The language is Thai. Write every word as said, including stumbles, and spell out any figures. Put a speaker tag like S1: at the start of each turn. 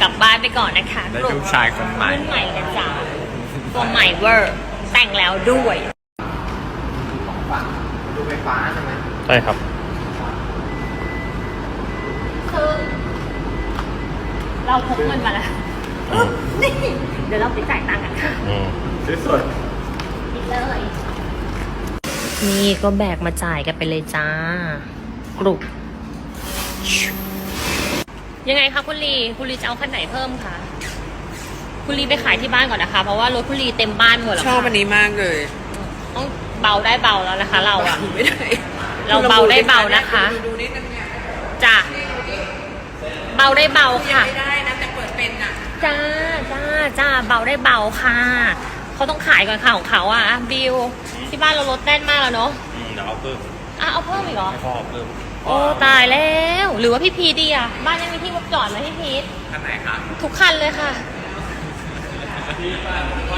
S1: กลับบ้านไปก่อนนะคะ
S2: ได้ลูกชายคนใหม่
S1: รุ่นใหม่นะจ๊ะตัวใหม่เวอร์แต่งแล้วด้วย
S2: ของฝากดูไฟฟ้าใช่ไหม
S3: ใช่ครับ
S1: คือเราพกเงินมาแล้ว
S3: อืม
S1: นี่เดี๋ยวเราไปจ่ายตังค์กันค่ะ
S3: อืม
S2: ซื้อสด
S1: นี่เลยนี่ก็แบกมาจ่ายกันไปเลยจ้ากรุบยังไงคะคุณลีคุณลีจะเอาคันไหนเพิ่มคะคุณลีไปขายที่บ้านก่อนนะคะ เพราะว่ารถคุณลีเต็มบ้านหมดแล้ว
S4: ชอบ
S1: ค่ะ
S4: อันนี้มากเลย
S1: ต้องเบาได้เบาแล้วนะคะ เราอะ
S4: ไม่ได้
S1: เราเบาได้เบานะคะ
S4: ดูดูนิดนึงเนี่ย
S1: จ้ะเบาได้เบา
S4: ยัง
S1: ค่ะ
S4: ไม่ได้นะแต่เปิดเป็นอ่ะ
S1: จ้าจ้าจ้าเบาได้เบาค่ะเขาต้องขายก่อนค่ะของเขาอ่ะอ่ะบิวที่บ้านเรารถแน่นมากแล้วเนาะ
S3: อืมเดี๋ยวเอาเพิ่ม
S1: อ่ะเอาเพิ่มอีกเหรอ
S3: ให้พ่อเอาเพิ่ม
S1: โอ้ตายแล้ว หรือว่าพี่พีทดีอ่ะบ้านยังมีที่รถจอดไหมพี่พีท
S2: คันไหนคะ
S1: ทุกคันเลยค่ะ